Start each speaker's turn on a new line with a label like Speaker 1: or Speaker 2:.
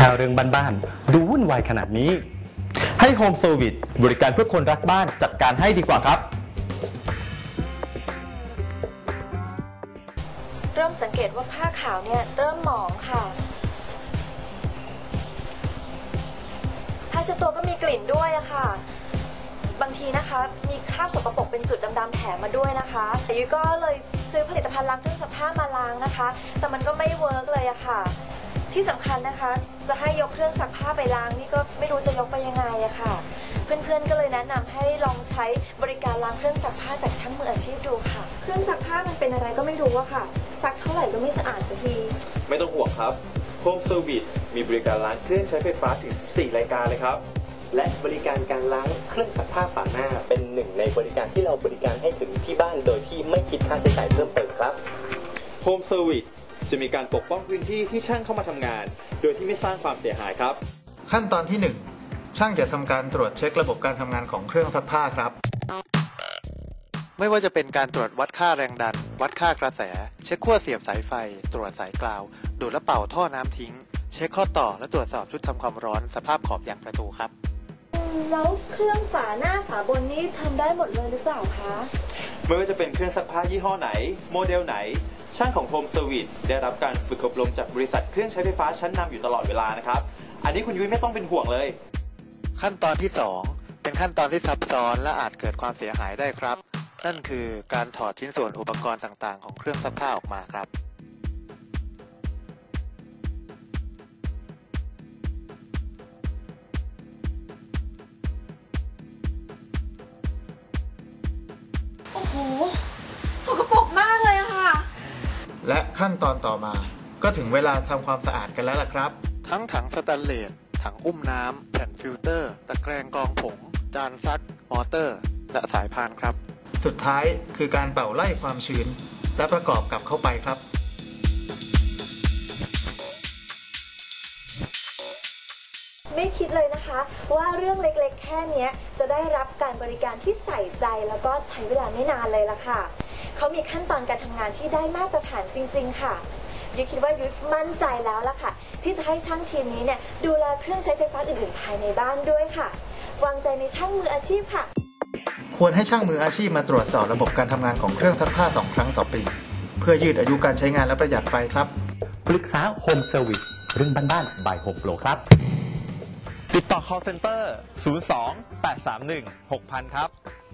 Speaker 1: ถ้าเรื่องบ้านๆดูวุ่นวายขนาดนี้ให้ Home Service บริการเพื่อคนรักบ้านจัดการให้ดีกว่าครับ
Speaker 2: เริ่มสังเกตว่าผ้าขาวเนี่ยเริ่มหมองค่ะผ้าเช็ดตัวก็มีกลิ่นด้วยอะค่ะบางทีนะคะมีคราบสกปรกเป็นจุดดำๆแถมมาด้วยนะคะแต่ยุ้ยก็เลยซื้อผลิตภัณฑ์ล้างเครื่องซักผ้ามาล้างนะคะแต่มันก็ไม่เวิร์กเลยอะค่ะที่สำคัญนะคะจะให้ยกเครื่องซักผ้าไปล้างนี่ก็ไม่รู้จะยกไปยังไงอะค่ะเพื่อนๆก็เลยแนะนำให้ลองใช้บริการล้างเครื่องซักผ้าจากช่างมืออาชีพดูค่ะเครื่องซักผ้ามันเป็นอะไรก็ไม่รู้อะค่ะซักเท่าไหร่ก็ไม่สะอาดสักที
Speaker 3: ไม่ต้องห่วงครับ Home Service มีบริการล้างเครื่องใช้ไฟฟ้าถึง 14 รายการเลยครับ
Speaker 4: และบริการการล้างเครื่องซักผ้าฝาหน้าเป็นหนึ่งในบริการที่เราบริการให้ถึงที่บ้านโดยที่ไม่คิดค่าใช้จ่ายเพิ่มเติมครับ
Speaker 3: Home Service จะมีการปกป้องพื้นที่ที่ช่างเข้ามาทำงานโดยที่ไม่สร้างความเสียหายครับ
Speaker 5: ขั้นตอนที่ 1 ช่างจะทำการตรวจเช็คระบบการทำงานของเครื่องซักผ้าครับไม่ว่าจะเป็นการตรวจวัดค่าแรงดันวัดค่ากระแสเช็คขั้วเสียบสายไฟตรวจสายกราวดูดและเป่าท่อน้ำทิ้งเช็คข้อต่อและตรวจสอบชุดทำความร้อนสภาพขอบยางประตูครับ
Speaker 2: แล้วเครื่องฝาหน้าฝาบนนี้ทำได้หมดเลยหรือเปล่าคะ
Speaker 3: ไม่ว่าจะเป็นเครื่องซักผ้ายี่ห้อไหนโมเดลไหนช่างของ Home Service ได้รับการฝึกอบรมจากบริษัทเครื่องใช้ไฟฟ้าชั้นนำอยู่ตลอดเวลานะครับอันนี้คุณยุ้ยไม่ต้องเป็นห่วงเลย
Speaker 5: ขั้นตอนที่ 2 เป็นขั้นตอนที่ซับซ้อนและอาจเกิดความเสียหายได้ครับนั่นคือการถอดชิ้นส่วนอุปกรณ์ต่างๆของเครื่องซักผ้าออกมาครับ
Speaker 2: โอ้โหสกปรกมากเลยอะค่ะ
Speaker 5: และขั้นตอนต่อมาก็ถึงเวลาทำความสะอาดกันแล้วล่ะครับทั้งถังสแตนเลสถังอุ้มน้ำแผ่นฟิลเตอร์ตะแกรงกรองผงจานซักมอเตอร์และสายพานครับสุดท้ายคือการเป่าไล่ความชื้นและประกอบกับเข้าไปครับ
Speaker 2: ไม่คิดเลยนะคะว่าเรื่องเล็กๆแค่นี้จะได้รับการบริการที่ใส่ใจแล้วก็ใช้เวลาไม่นานเลยล่ะค่ะเขามีขั้นตอนการทำงานที่ได้มาตรฐานจริงๆค่ะยุ้ยคิดว่ายุ้ยมั่นใจแล้วล่ะค่ะที่จะให้ช่างทีมนี้เนี่ยดูแลเครื่องใช้ไฟฟ้าอื่นๆภายในบ้านด้วยค่ะวางใจในช่างมืออาชีพค่ะ
Speaker 5: ควรให้ช่างมืออาชีพมาตรวจสอบระบบการทำงานของเครื่องซักผ้า2 ครั้งต่อปีเพื่อยืดอายุการใช้งานและประหยัดไฟครับ
Speaker 1: ปรึกษา Home Service เรื่องบ้านๆ by Home Pro ครับ
Speaker 3: ติดต่อ call center 02 831 6000 ครับ